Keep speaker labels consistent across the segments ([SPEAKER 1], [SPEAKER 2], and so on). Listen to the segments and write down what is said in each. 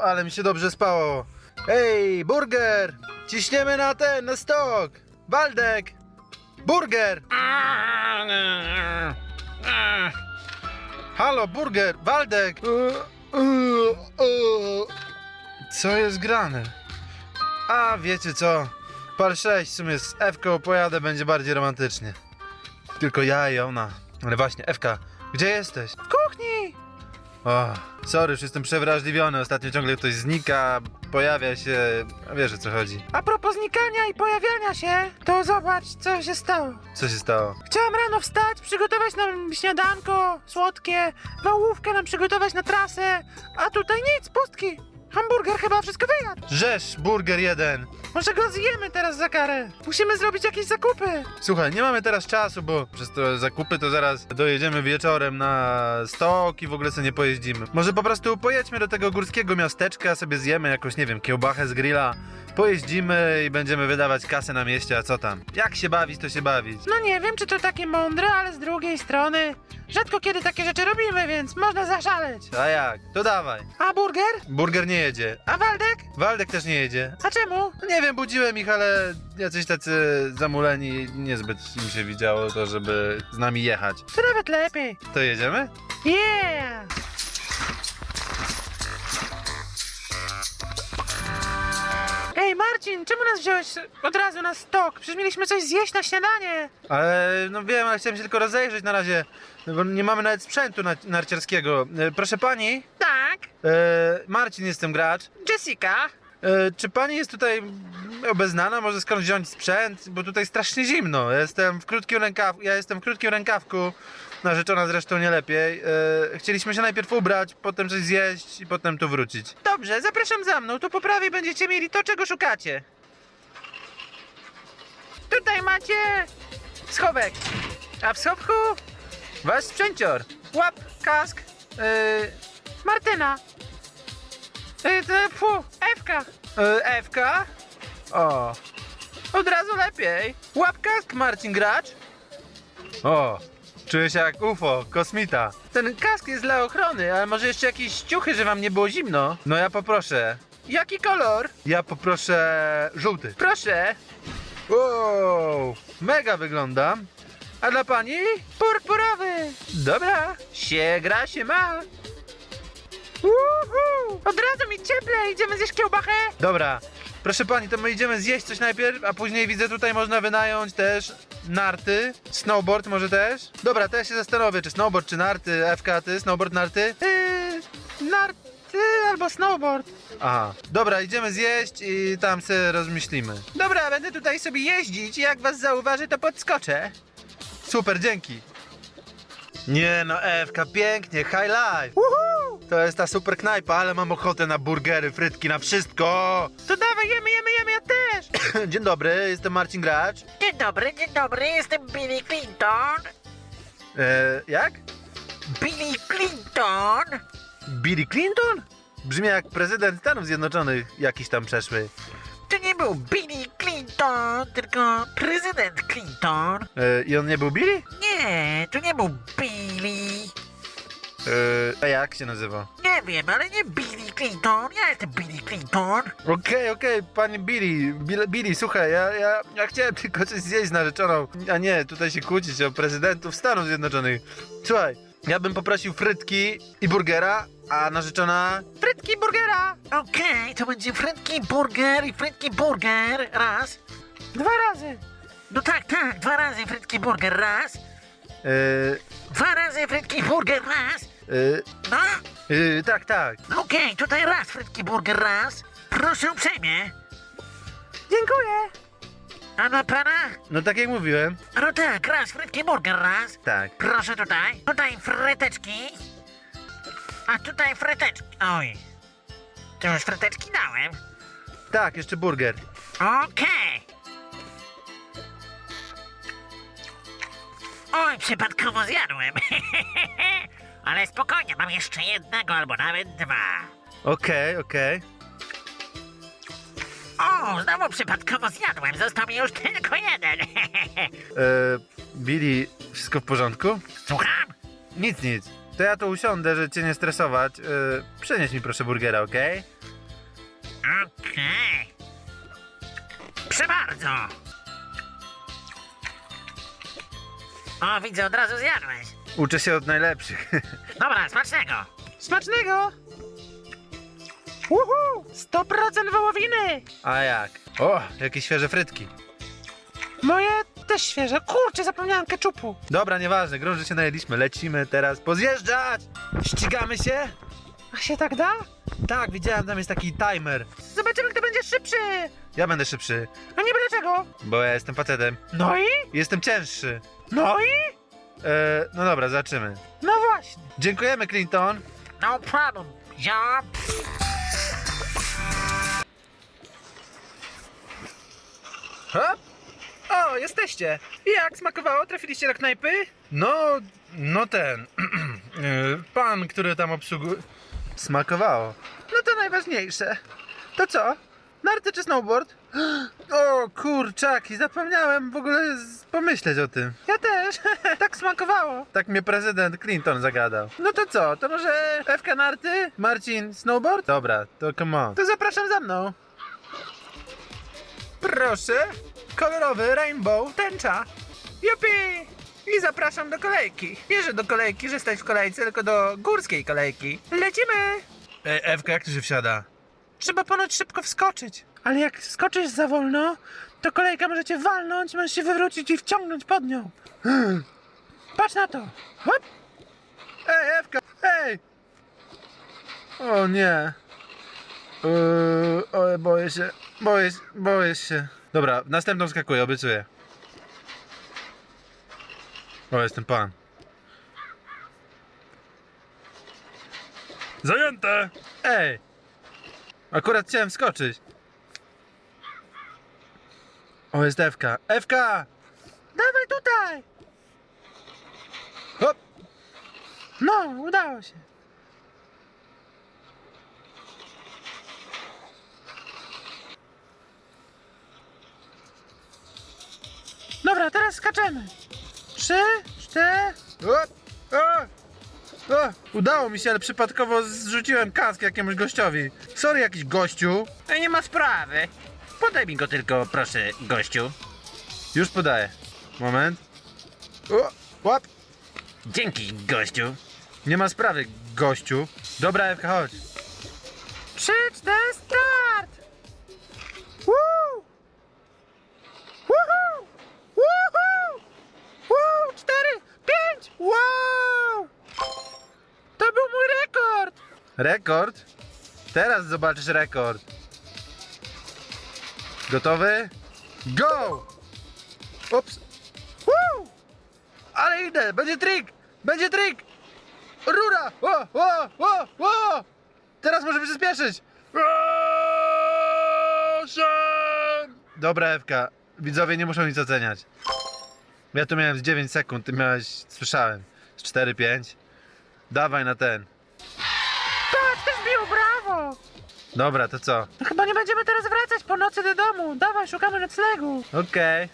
[SPEAKER 1] ale mi się dobrze spało. Ej, burger! Ciśniemy na stok! Waldek! Burger! Halo, burger! Waldek! Co jest grane? A, wiecie co? Pal 6 w sumie z Ewką pojadę, będzie bardziej romantycznie. Tylko ja i ona. Ale właśnie, Ewka, gdzie jesteś? W kuchni! O, sorry, już jestem przewrażliwiony. Ostatnio ciągle ktoś znika, pojawia się, a wiesz o co chodzi.
[SPEAKER 2] A propos znikania i pojawiania się, to zobacz, co się stało.
[SPEAKER 1] Co się stało?
[SPEAKER 2] Chciałam rano wstać, przygotować nam śniadanko słodkie, wałówkę nam przygotować na trasę, a tutaj nic, pustki. Hamburger chyba wszystko wyjadł.
[SPEAKER 1] Rzesz, burger jeden.
[SPEAKER 2] Może go zjemy teraz za karę. Musimy zrobić jakieś zakupy.
[SPEAKER 1] Słuchaj, nie mamy teraz czasu, bo przez te zakupy to zaraz dojedziemy wieczorem na stok i w ogóle sobie nie pojeździmy. Może po prostu pojedźmy do tego górskiego miasteczka, sobie zjemy jakąś, nie wiem, kiełbachę z grilla, pojeździmy i będziemy wydawać kasę na mieście, a co tam? Jak się bawić, to się bawić.
[SPEAKER 2] No nie wiem, czy to takie mądre, ale z drugiej strony rzadko kiedy takie rzeczy robimy, więc można zaszaleć.
[SPEAKER 1] A jak? To dawaj.
[SPEAKER 2] A burger?
[SPEAKER 1] Burger nie jedzie.
[SPEAKER 2] A Waldek?
[SPEAKER 1] Waldek też nie jedzie.
[SPEAKER 2] A czemu?
[SPEAKER 1] No nie wiem, budziłem ich, ale jacyś tacy zamuleni, niezbyt im się widziało to, żeby z nami jechać.
[SPEAKER 2] To nawet lepiej.
[SPEAKER 1] To jedziemy?
[SPEAKER 2] Yeah! Ej Marcin, czemu nas wziąłeś od razu na stok? Przecież mieliśmy coś zjeść na śniadanie.
[SPEAKER 1] Ale no wiem, ale chciałem się tylko rozejrzeć na razie, bo nie mamy nawet sprzętu narciarskiego. Proszę pani,
[SPEAKER 2] Tak.
[SPEAKER 1] Marcin jestem gracz.
[SPEAKER 2] Jessica.
[SPEAKER 1] Czy pani jest tutaj obeznana? Może skąd wziąć sprzęt? Bo tutaj strasznie zimno. Ja jestem w krótkim rękawku. Narzeczona zresztą nie lepiej. Chcieliśmy się najpierw ubrać, potem coś zjeść i potem tu wrócić.
[SPEAKER 2] Dobrze, zapraszam za mną. Tu po prawej będziecie mieli to, czego szukacie. Tutaj macie schowek. A w schowku
[SPEAKER 1] Wasz sprzęcior.
[SPEAKER 2] łap, kask. Martyna. Ewka.
[SPEAKER 1] Ewka? O, od razu lepiej. Łapka, Marcin gracz. O, czuję się jak UFO, kosmita. Ten kask jest dla ochrony, ale może jeszcze jakieś ciuchy, że wam nie było zimno? No ja poproszę.
[SPEAKER 2] Jaki kolor?
[SPEAKER 1] Ja poproszę żółty.
[SPEAKER 2] Proszę.
[SPEAKER 1] Wow, mega wyglądam. A dla pani?
[SPEAKER 2] Purpurowy.
[SPEAKER 1] Dobra, się gra, się ma.
[SPEAKER 2] Uhu. Od razu mi cieplej. Idziemy zjeść kiełbachę?
[SPEAKER 1] Dobra, proszę pani, to my idziemy zjeść coś najpierw, a później widzę tutaj można wynająć też narty, snowboard może też. Dobra, to ja się zastanowię, czy snowboard, czy narty. Ewka, ty, snowboard, narty?
[SPEAKER 2] Narty albo snowboard.
[SPEAKER 1] Aha, dobra, idziemy zjeść i tam sobie rozmyślimy.
[SPEAKER 2] Dobra, będę tutaj sobie jeździć i jak was zauważy, to podskoczę.
[SPEAKER 1] Super, dzięki. Nie no, Ewka, pięknie, high life.
[SPEAKER 2] Uhu.
[SPEAKER 1] To jest ta super knajpa, ale mam ochotę na burgery, frytki, na wszystko.
[SPEAKER 2] To dawaj, jemy, ja też.
[SPEAKER 1] Dzień dobry, jestem Marcin Gracz.
[SPEAKER 3] Dzień dobry, jestem Billy Clinton.
[SPEAKER 1] Jak?
[SPEAKER 3] Billy Clinton!
[SPEAKER 1] Billy Clinton? Brzmi jak prezydent Stanów Zjednoczonych jakiś tam przeszły.
[SPEAKER 3] To nie był Billy Clinton, tylko prezydent Clinton.
[SPEAKER 1] I on nie był Billy?
[SPEAKER 3] Nie, to nie był Billy.
[SPEAKER 1] A jak się nazywa?
[SPEAKER 3] Nie wiem, ale nie Billy Clinton, ja jestem Billy Clinton.
[SPEAKER 1] Okej, panie Billy, słuchaj, ja chciałem tylko coś zjeść z narzeczoną, a nie tutaj się kłócić o prezydentów Stanów Zjednoczonych. Słuchaj, ja bym poprosił frytki i burgera, a narzeczona...
[SPEAKER 2] Frytki burgera.
[SPEAKER 3] Okej, to będzie frytki burger i frytki burger, raz.
[SPEAKER 2] 2 razy.
[SPEAKER 3] No tak, 2 razy frytki burger, raz.
[SPEAKER 1] Yy,
[SPEAKER 3] 2 razy frytki burger, raz. No,
[SPEAKER 1] tak.
[SPEAKER 3] okej, tutaj raz frytki burger, raz. Proszę uprzejmie.
[SPEAKER 2] Dziękuję.
[SPEAKER 3] A dla pana?
[SPEAKER 1] No tak jak mówiłem.
[SPEAKER 3] No tak, raz frytki burger, raz.
[SPEAKER 1] Tak.
[SPEAKER 3] Proszę tutaj. Tutaj fryteczki. A tutaj fryteczki. Oj. To już fryteczki dałem.
[SPEAKER 1] Tak, jeszcze burger.
[SPEAKER 3] Okej. Oj, przypadkowo zjadłem. Ale spokojnie, mam jeszcze jednego albo nawet 2.
[SPEAKER 1] Okej.
[SPEAKER 3] O, znowu przypadkowo zjadłem. Został mi już tylko jeden.
[SPEAKER 1] Billy, wszystko w porządku?
[SPEAKER 3] Słucham?
[SPEAKER 1] Nic. To ja tu usiądę, żeby cię nie stresować. Przynieś mi proszę burgera, okej?
[SPEAKER 3] Okej. Proszę bardzo. O, widzę, od razu zjadłeś.
[SPEAKER 1] Uczę się od najlepszych.
[SPEAKER 3] Dobra, smacznego.
[SPEAKER 2] Smacznego! Uhu! 100% wołowiny!
[SPEAKER 1] A jak? O, jakie świeże frytki.
[SPEAKER 2] Moje też świeże. Kurczę, zapomniałem keczupu.
[SPEAKER 1] Dobra, nieważne, grą, że się najedliśmy. Lecimy teraz pozjeżdżać! Ścigamy się?
[SPEAKER 2] A się tak da?
[SPEAKER 1] Tak, widziałem, tam jest taki timer.
[SPEAKER 2] Zobaczymy, kto będzie szybszy!
[SPEAKER 1] Ja będę szybszy,
[SPEAKER 2] A niby dlaczego?
[SPEAKER 1] bo ja jestem facetem.
[SPEAKER 2] No i?
[SPEAKER 1] Jestem cięższy.
[SPEAKER 2] No i?
[SPEAKER 1] No dobra, zobaczymy.
[SPEAKER 2] No właśnie.
[SPEAKER 1] Dziękujemy, Clinton.
[SPEAKER 3] No problem. Ja...
[SPEAKER 2] Hop. O, jesteście. Jak smakowało? Trafiliście do knajpy?
[SPEAKER 1] No ten. Pan, który tam obsługuje. Smakowało.
[SPEAKER 2] No to najważniejsze. To co? Narty czy snowboard?
[SPEAKER 1] O kurczaki, zapomniałem w ogóle pomyśleć o tym.
[SPEAKER 2] Ja też. Tak smakowało.
[SPEAKER 1] Tak mnie prezydent Clinton zagadał.
[SPEAKER 2] No to co? To może Ewka narty?
[SPEAKER 1] Marcin, snowboard? Dobra, to come on.
[SPEAKER 2] To zapraszam za mną. Proszę. Kolorowy rainbow, tęcza. Jupi! I zapraszam do kolejki. Nie, że do kolejki, że stać w kolejce, tylko do górskiej kolejki. Lecimy!
[SPEAKER 1] Ej, Ewka, jak tu się wsiada?
[SPEAKER 2] Trzeba ponoć szybko wskoczyć. Ale jak skoczysz za wolno, to kolejka może cię walnąć, możesz się wywrócić i wciągnąć pod nią. Patrz na to. Hop!
[SPEAKER 1] Ej, Ewka, ej! O nie. Oj, boję się. Dobra, następną skakuję, obiecuję. O, jestem pan. Zajęte! Ej! Akurat chciałem skoczyć. O, jest Ewka. Ewka!
[SPEAKER 2] Dawaj tutaj!
[SPEAKER 1] Hop!
[SPEAKER 2] No, udało się. Dobra, teraz skaczemy. 3, 4...
[SPEAKER 1] Udało mi się, ale przypadkowo zrzuciłem kask jakiemuś gościowi. Sorry, jakiś gościu.
[SPEAKER 3] Nie ma sprawy. Podaj mi go tylko, proszę, gościu.
[SPEAKER 1] Już podaję. Moment. O, łap.
[SPEAKER 3] Dzięki, gościu.
[SPEAKER 1] Nie ma sprawy, gościu. Dobra, Ewka, chodź.
[SPEAKER 2] 3, 4, start! Woo! Woohoo! Woohoo! Woo! 4, 5! Wow! To był mój rekord!
[SPEAKER 1] Rekord? Teraz zobaczysz rekord. Gotowy? Go! Ups.
[SPEAKER 2] Woo!
[SPEAKER 1] Ale idę, będzie trik! Będzie trik! Rura! O! Teraz może przyspieszyć! Dobra, Ewka. Widzowie nie muszą nic oceniać. Ja tu miałem z 9 sekund, ty miałeś, słyszałem, z 4-5. Dawaj na ten.
[SPEAKER 2] Tak, też bił, brawo!
[SPEAKER 1] Dobra, to co?
[SPEAKER 2] No chyba nie będziemy teraz wracać po nocy do domu. Dawaj, szukamy noclegu.
[SPEAKER 1] Okej.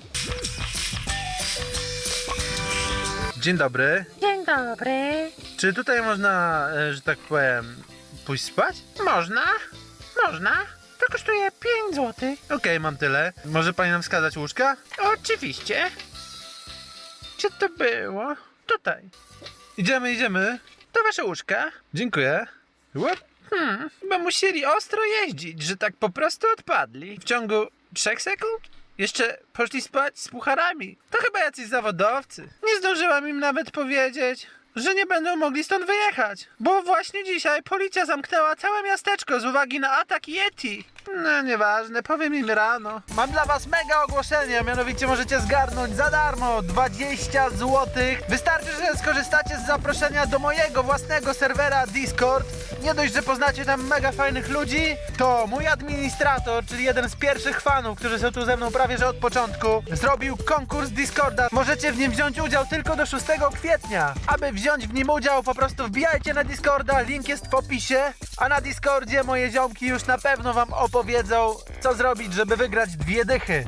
[SPEAKER 1] Dzień dobry.
[SPEAKER 2] Dzień dobry.
[SPEAKER 1] Czy tutaj można, że tak powiem, pójść spać?
[SPEAKER 2] Można? Można. To kosztuje 5 zł.
[SPEAKER 1] Okej, mam tyle. Może pani nam wskazać łóżka?
[SPEAKER 2] Oczywiście. Gdzie to było? Tutaj.
[SPEAKER 1] Idziemy.
[SPEAKER 2] To wasze łóżka.
[SPEAKER 1] Dziękuję. Łap.
[SPEAKER 2] Bo musieli ostro jeździć, że tak po prostu odpadli. W ciągu 3 sekund? Jeszcze poszli spać z pucharami. To chyba jacyś zawodowcy. Nie zdążyłam im nawet powiedzieć, że nie będą mogli stąd wyjechać. Bo właśnie dzisiaj policja zamknęła całe miasteczko z uwagi na atak Yeti. No nieważne, powiem im rano. Mam dla was mega ogłoszenie, a mianowicie możecie zgarnąć za darmo 20 zł. Wystarczy, że skorzystacie z zaproszenia do mojego własnego serwera Discord. Nie dość, że poznacie tam mega fajnych ludzi, to mój administrator, czyli jeden z pierwszych fanów, którzy są tu ze mną prawie że od początku, zrobił konkurs Discorda. Możecie w nim wziąć udział tylko do 6 kwietnia. Aby wziąć w nim udział, po prostu wbijajcie na Discorda, link jest w opisie, a na Discordzie moje ziomki już na pewno wam opowiedzą, co zrobić, żeby wygrać 2 dychy.